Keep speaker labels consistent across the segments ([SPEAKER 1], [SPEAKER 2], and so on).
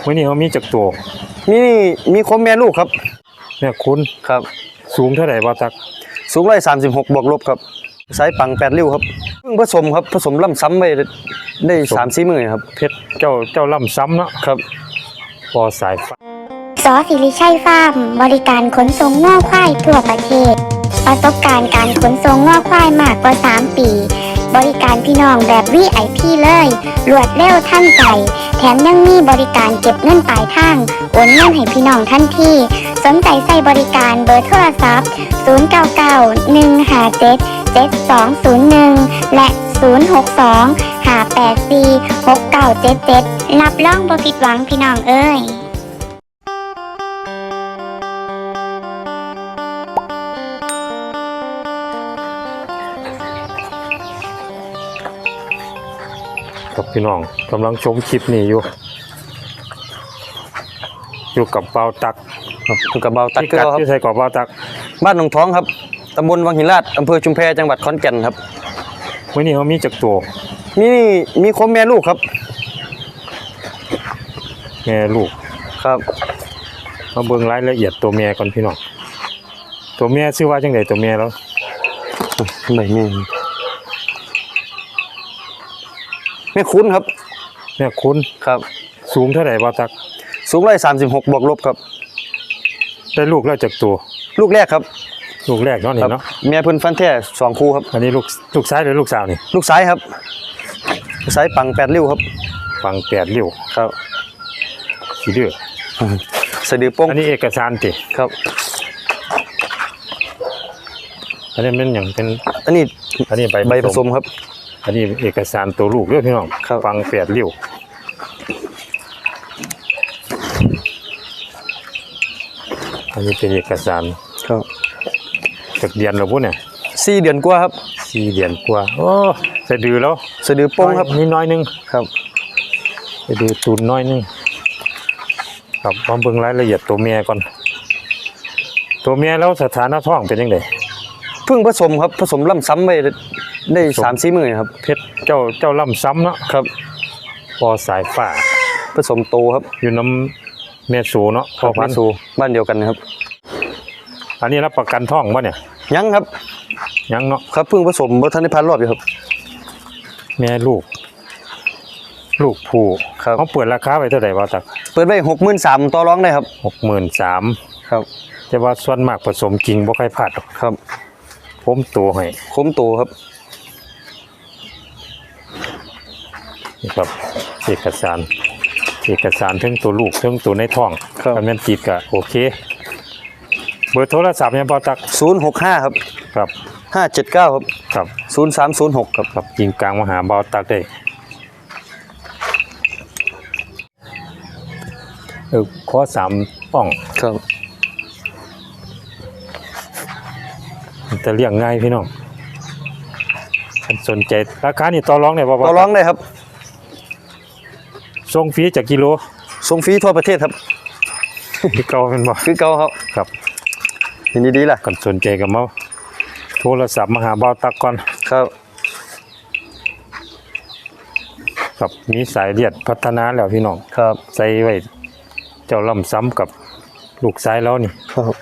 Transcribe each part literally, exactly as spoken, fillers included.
[SPEAKER 1] วันนี้เขามีจักตัว
[SPEAKER 2] มีมีคมแม่ลูกครับ
[SPEAKER 1] เนี่ยคุณ
[SPEAKER 2] ครับ
[SPEAKER 1] สูงเท่าไหร่บ่าวตัก
[SPEAKER 2] สูงร้อยสามสิบหกบวกลบครับสายปังแปดริ้วครับเพิ่งผสมครับผสมล่ำซ้ำไปได้สามสี่หมื่นครับ
[SPEAKER 1] เพชรเจ้าเจ้าล่ำซ้ำเนาะ
[SPEAKER 2] ครับ
[SPEAKER 1] พอสายฟ้า
[SPEAKER 3] สอศิริชัยฟาร์มบริการขนส่งง้อควายทั่วประเทศประสบการณ์การขนส่งง้อควายมากกว่าสามปีบริการพี่น้องแบบ วี ไอ พี เลยรวดเร็วทันใจแถมยังมีบริการเก็บเงินปลายทางโอนเงินให้พี่น้องทันทีสนใจใส่บริการเบอร์โทรศัพท์ศูนย์ เก้า เก้า หนึ่ง ห้า เจ็ด เจ็ด สอง ศูนย์ หนึ่งและศูนย์ หก สอง ห้า แปด สี่ หก เก้า เจ็ด เจ็ดรับรองบ่ผิดหวังพี่น้องเอ้ย
[SPEAKER 1] กับพี่น้องกำลังชมคลิปนี้อยู่อยู่กับเบาตัก
[SPEAKER 2] อยู่กับเบาตักเกลือครับ
[SPEAKER 1] ที่ใส่กับเบาตัก
[SPEAKER 2] บ้านหนองท้องครับตำบลวังหินลาดอำเภอชุมแพจังหวัดขอนแก่นครับ
[SPEAKER 1] วันนี้เขามีจักตัว
[SPEAKER 2] มีมีคมแม่ลูกครับ
[SPEAKER 1] แม่ลูก
[SPEAKER 2] ครับ
[SPEAKER 1] มาเบิ่งรายละเอียดตัวแม่ก่อนพี่น้องตัวแม่ชื่อว่าจังไดตัวแม่แล้ว
[SPEAKER 2] ไม่มีแม่คุ้นครับ
[SPEAKER 1] แม่คุ้น
[SPEAKER 2] ครับ
[SPEAKER 1] สูงเท่าไหร่บ่าวตัก
[SPEAKER 2] สูงร้อยสามสิบหกบวกลบครับ
[SPEAKER 1] ได้ลูกแล้วจากตัว
[SPEAKER 2] ลูกแรกครับ
[SPEAKER 1] ลูกแรกเนาะนี่เนาะ
[SPEAKER 2] แม่เพิ่นฟันแท้สองคู่ครับ
[SPEAKER 1] อันนี้ลูกลูกซ้ายหรือลูกสาวนี่
[SPEAKER 2] ลูกซ้ายครับซ้ายปังแปดริ้วครับ
[SPEAKER 1] ปังแปดริ้ว
[SPEAKER 2] ครับ
[SPEAKER 1] ขี้ดื้อ
[SPEAKER 2] สะดือป้ง
[SPEAKER 1] อันนี้เอกสารติ
[SPEAKER 2] ครับ
[SPEAKER 1] อันนี้เป็นอย่างเป็น
[SPEAKER 2] อันนี้
[SPEAKER 1] อันนี้ใบ
[SPEAKER 2] ใบผสมครับ
[SPEAKER 1] อันนี้เอกสารตัวลูกเด้อพี่น้องปังแปดริ้วอันนี้เป็นเอกสาร
[SPEAKER 2] ครับ
[SPEAKER 1] จากเดือนแล้วพุ่นเนี่ย
[SPEAKER 2] สี่เดือนกว่าครับ
[SPEAKER 1] สี่เดือนกว่าโอ้สะดือแล้ว
[SPEAKER 2] สะดือป้งครับ
[SPEAKER 1] นี่น้อยนึง
[SPEAKER 2] ครับ
[SPEAKER 1] สะดือตูนน้อยนึงครับมาเบิ่งรายละเอียดตัวเมียก่อนตัวเมียแล้วสถานะท้องเป็นยังไง
[SPEAKER 2] เพิ่งผสมครับผสมล่ำซ้ำไปได้สามสี่หมื่นครับ
[SPEAKER 1] เพชรเจ้าเจ้าล่ำซ้ำเนาะ
[SPEAKER 2] ครับ
[SPEAKER 1] พอสายฟ้า
[SPEAKER 2] ผสมโตครับ
[SPEAKER 1] อยู่น้ำเมสูเนาะ
[SPEAKER 2] พอพันสูบ้านเดียวกันครับ
[SPEAKER 1] อันนี้รับประกันท้องป่ะเนี่ย
[SPEAKER 2] ยังครับ
[SPEAKER 1] ยังเนาะ
[SPEAKER 2] ครับเพิ่งผสมเมื่อทันได้พันรอบอยู่ครับ
[SPEAKER 1] แม่ลูกลูกผู้
[SPEAKER 2] ครับ
[SPEAKER 1] เขาเปิดราคาไว้เท่าไหร่บ่าวตัก
[SPEAKER 2] เปิดไว้หกหมื่นสามต่อรองได้ครับ
[SPEAKER 1] หกหมื่นสาม
[SPEAKER 2] ครับ
[SPEAKER 1] แต่ว่าส่วนมากผสมจริงบ่ค่อยพลาด
[SPEAKER 2] ครับ
[SPEAKER 1] ผมตัวให้
[SPEAKER 2] ผมโตครับ
[SPEAKER 1] นี่ครับเอกสารเอกสารทั้งตัวลูกทั้งตัวในท้องถ้ามันติดก็โอเคเบอร์โทรศัพท์เนี่ยบ่าวตัก
[SPEAKER 2] ศูนย์หกห้าครับ
[SPEAKER 1] ครับ
[SPEAKER 2] ห้าเจ็ดเก้าครับ
[SPEAKER 1] ครับ
[SPEAKER 2] ศูนย์สามศูนย์หกครับ
[SPEAKER 1] ครับยิงกลางมาหาบ่าวตักได้เออข้อสามป้อง
[SPEAKER 2] ครับ
[SPEAKER 1] จะเลี้ยงง่ายพี่น้องสนใจราคานี่ต่อรองได้บ่
[SPEAKER 2] ต่อรองได้ครับ
[SPEAKER 1] ส่งฟรีจากกิโล
[SPEAKER 2] ส่งฟรีทั่วประเทศครับ
[SPEAKER 1] คือเก่าเป็นบ่
[SPEAKER 2] คือเก่าครับ
[SPEAKER 1] ครับ
[SPEAKER 2] ยินดีๆล่ะ
[SPEAKER 1] กันสนใจกับมาโทรศัพท์มาหาบ่าวตักก่อน
[SPEAKER 2] ครับ
[SPEAKER 1] ครับมีสายเลือดพัฒนาแล้วพี่น้อง
[SPEAKER 2] ครับ
[SPEAKER 1] ใส่ไว้เจ้าล่ำซ้ำกับลูกซ้ายแล้วนี่
[SPEAKER 2] ครับ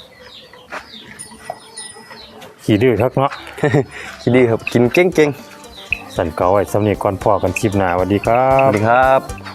[SPEAKER 1] ขี่ดื้อทักเนาะ
[SPEAKER 2] ขี่ดื้อครับกินเก่งๆ
[SPEAKER 1] สั่นเก่าไว้สำเนียงก่อนพ่อกันคลิปหน้าสวัสดีครับ
[SPEAKER 2] สวัสดีครับ